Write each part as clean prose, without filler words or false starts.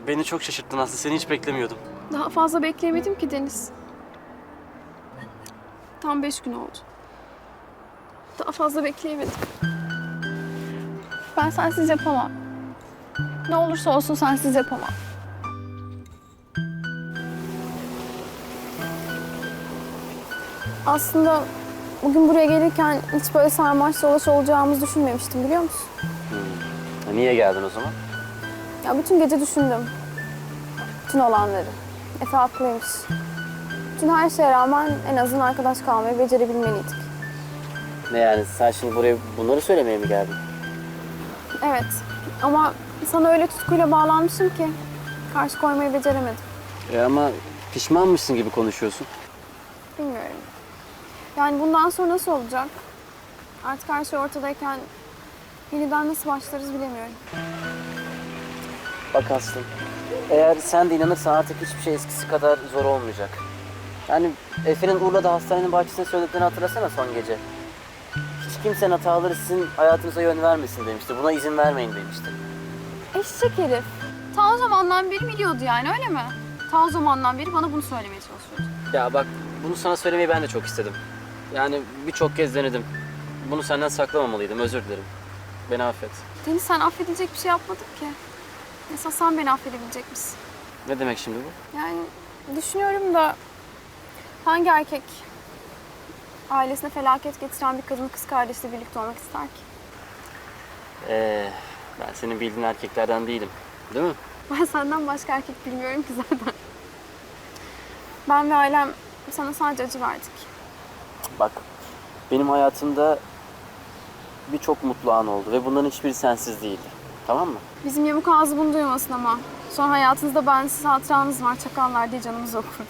Beni çok şaşırttın Aslı. Seni hiç beklemiyordum. Daha fazla bekleyemedim ki Deniz. Tam 5 gün oldu. Daha fazla bekleyemedim. Ben sensiz yapamam. Ne olursa olsun sensiz yapamam. Aslında bugün buraya gelirken hiç böyle sarmaş dolaş olacağımızı düşünmemiştim, biliyor musun? Niye geldin o zaman? Ya bütün gece düşündüm. Bütün olanları. Efe haklıymış. Bütün her şeye rağmen en azından arkadaş kalmayı becerebilmeliydik. Ne yani, sen şimdi buraya bunları söylemeye mi geldin? Evet ama sana öyle tutkuyla bağlanmışım ki karşı koymayı beceremedim. Ama pişmanmışsın gibi konuşuyorsun. Bilmiyorum. Yani bundan sonra nasıl olacak? Artık her şey ortadayken yeniden nasıl başlarız bilemiyorum. Bak Aslı, eğer sen de inanırsan artık hiçbir şey eskisi kadar zor olmayacak. Yani Efe'nin Urla'da hastanenin bahçesinde söylediklerini hatırlasana son gece. Hiç kimsenin hataları sizin hayatınıza yön vermesin demişti. Buna izin vermeyin demişti. Eşek herif. Ta o zamandan beri biliyordu yani, öyle mi? Ta o zamandan beri bana bunu söylemeye çalışıyordu. Ya bak, bunu sana söylemeyi ben de çok istedim. Yani birçok kez denedim. Bunu senden saklamamalıydım, özür dilerim. Beni affet. Deniz, sen affedecek bir şey yapmadın ki. Mesela sen beni affedebilecek misin? Ne demek şimdi bu? Yani düşünüyorum da hangi erkek ailesine felaket getiren bir kadın kız kardeşiyle birlikte olmak ister ki? Ben senin bildiğin erkeklerden değilim. Değil mi? Ben senden başka erkek bilmiyorum ki zaten. Ben ve ailem sana sadece acı verdik. Bak, benim hayatımda birçok mutlu an oldu ve bunların hiçbiri sensiz değildi. Tamam mı? Bizim yamuk ağzı bunu duymasın ama. Sonra hayatınızda bensiz hatıranız var, çakallar diye canımız okur.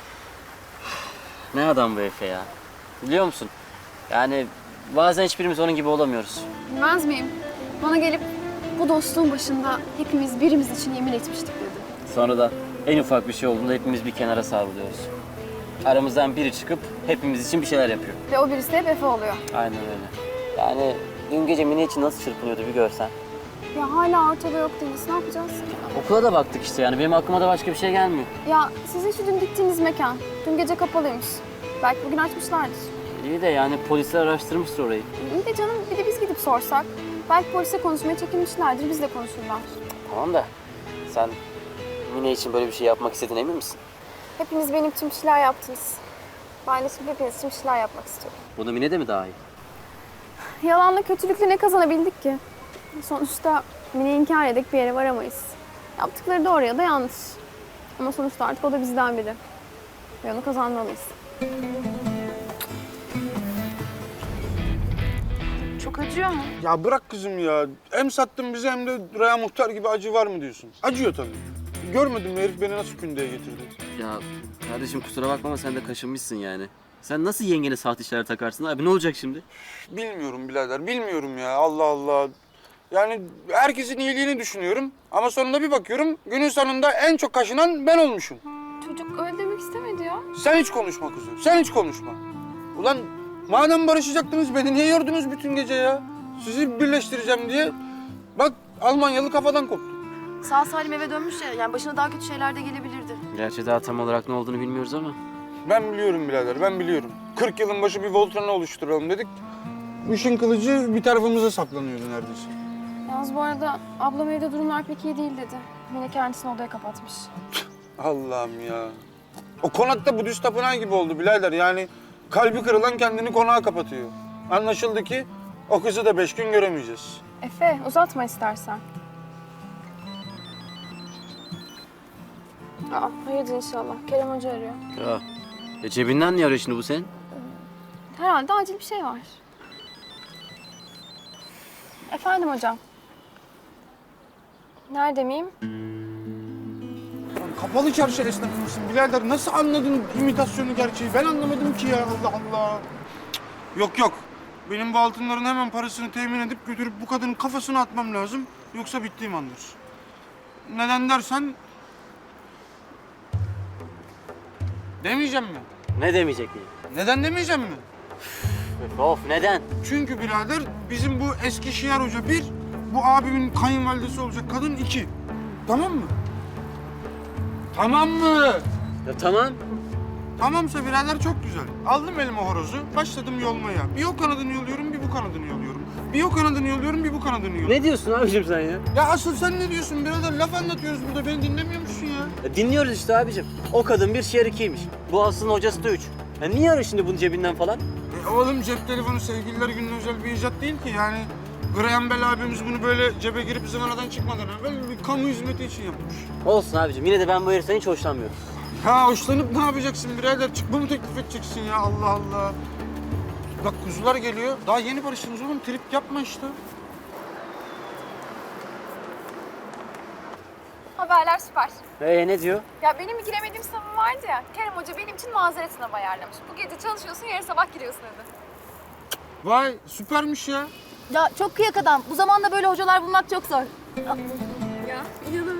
Ne adam bu Efe ya? Biliyor musun? Yani bazen hiçbirimiz onun gibi olamıyoruz. Bilmez miyim? Bana gelip bu dostluğun başında hepimiz birimiz için yemin etmiştik dedi. Sonra da en ufak bir şey olduğunda hepimiz bir kenara savruluyoruz. Aramızdan biri çıkıp hepimiz için bir şeyler yapıyor. Ve o birisi de hep Efe oluyor. Aynen öyle. Yani dün gece Mine için nasıl çırpınıyordu bir görsen. Ya hala ortada yok Deniz, ne yapacağız? Okula da baktık işte, yani benim aklıma da başka bir şey gelmiyor. Ya sizin şu dün gittiğiniz mekan, dün gece kapalıymış. Belki bugün açmışlardır. İyi de yani polisler araştırmıştır orayı. İyi de canım, bir de biz gidip sorsak. Belki polise konuşmaya çekinmişlerdir, bizle konuşurlar. Tamam da sen Mine için böyle bir şey yapmak istediğine emin misin? Hepiniz benim için bir şeyler yaptınız. Ben de şimdi hepiniz için bir şeyler yapmak istiyorum. Buna Mine de mi daha iyi? Yalanla kötülükle ne kazanabildik ki? Sonuçta Mine'yi inkar edek bir yere varamayız. Yaptıkları doğru ya da yanlış. Ama sonuçta artık o da bizden biri. Ve onu kazanmalıyız. Çok acıyor mu? Ya bırak kızım ya. Hem sattın bizi hem de Raya Muhtar gibi acı var mı diyorsun? Acıyor tabii. Görmedin mi herif beni nasıl kündeye getirdi? Ya kardeşim kusura bakma ama sen de kaşınmışsın yani. Sen nasıl yengene sahte işler takarsın abi, ne olacak şimdi? Bilmiyorum birader, bilmiyorum ya. Allah Allah. Yani herkesin iyiliğini düşünüyorum ama sonunda bir bakıyorum günün sonunda en çok kaşınan ben olmuşum. Çocuk öyle demek istemedi ya. Sen hiç konuşma kızım, sen hiç konuşma. Ulan madem barışacaktınız beni niye yordunuz bütün gece ya? Sizi birleştireceğim diye. Bak Almanyalı kafadan koptu. Sağ salim eve dönmüş ya, yani başına daha kötü şeyler de gelebilirdi. Gerçi daha tam olarak ne olduğunu bilmiyoruz ama. Ben biliyorum birader, ben biliyorum. 40 yılın başı bir Voltran'ı oluşturalım dedik. Bu işin kılıcı bir tarafımıza saplanıyordu neredeyse. Yalnız bu arada ablam evde durumlar pek iyi değil dedi. Mine kendisini odaya kapatmış. Allah'ım ya. O konakta Budist tapınağı gibi oldu birader. Yani kalbi kırılan kendini konağa kapatıyor. Anlaşıldı ki o kızı da 5 gün göremeyeceğiz. Efe, uzatma istersen. Aa, hayırdır inşallah. Kerem Hoca arıyor. Ya cebinden niye arıyor şimdi bu senin? Herhalde acil bir şey var. Efendim hocam. Nerede miyim? Kapalı çarşı esnafı mısın birader? Nasıl anladın imitasyonu gerçeği? Ben anlamadım ki ya Allah Allah. Yok yok. Benim bu altınların hemen parasını temin edip götürüp bu kadının kafasına atmam lazım. Yoksa bittiğim andır. Neden dersen... Demeyeceğim mi? Ne demeyecek miyim? Neden demeyeceğim mi? Of, neden? Çünkü birader bizim bu eski Şiar Hoca bir, bu abimin kayınvalidesi olacak kadın iki. Tamam mı? Tamam mı? Ya tamam. Tamamsa birader çok güzel. Aldım elime horozu, başladım yolmaya. Bir o kanadını yoluyorum, bir bu kanadını yoluyorum. Bir o kanadını yoluyorum, bir bu kanadını yoluyorum. Ne diyorsun abicim sen ya? Ya asıl sen ne diyorsun birader? Laf anlatıyoruz burada, beni dinlemiyor musun ya? Ya dinliyoruz işte abicim. O kadın bir şiir ikiymiş. Bu aslında hocası da 3. Ya niye arıyor şimdi bunun cebinden falan? Oğlum cep telefonu sevgililer gününe özel bir icat değil ki yani. Graham Bell abimiz bunu böyle cebe girip zıvanadan çıkmadan evvel bir kamu hizmeti için yapmış. Olsun abicim. Yine de ben bu heriften hiç hoşlanmıyorum. Ya hoşlanıp ne yapacaksın birader? Çıkma mı teklif edeceksin ya? Allah Allah. Bak kuzular geliyor. Daha yeni barıştınız oğlum. Trip yapma işte. Haberler süper. Ne diyor? Ya benim bir giremediğim sınavım vardı ya. Kerem Hoca benim için mazeret sınavı ayarlamış. Bu gece çalışıyorsun, yarın sabah giriyorsun dedi. Vay süpermiş ya. Ya çok kıyak adam. Bu zamanda böyle hocalar bulmak çok zor. Ya inanamıyorum.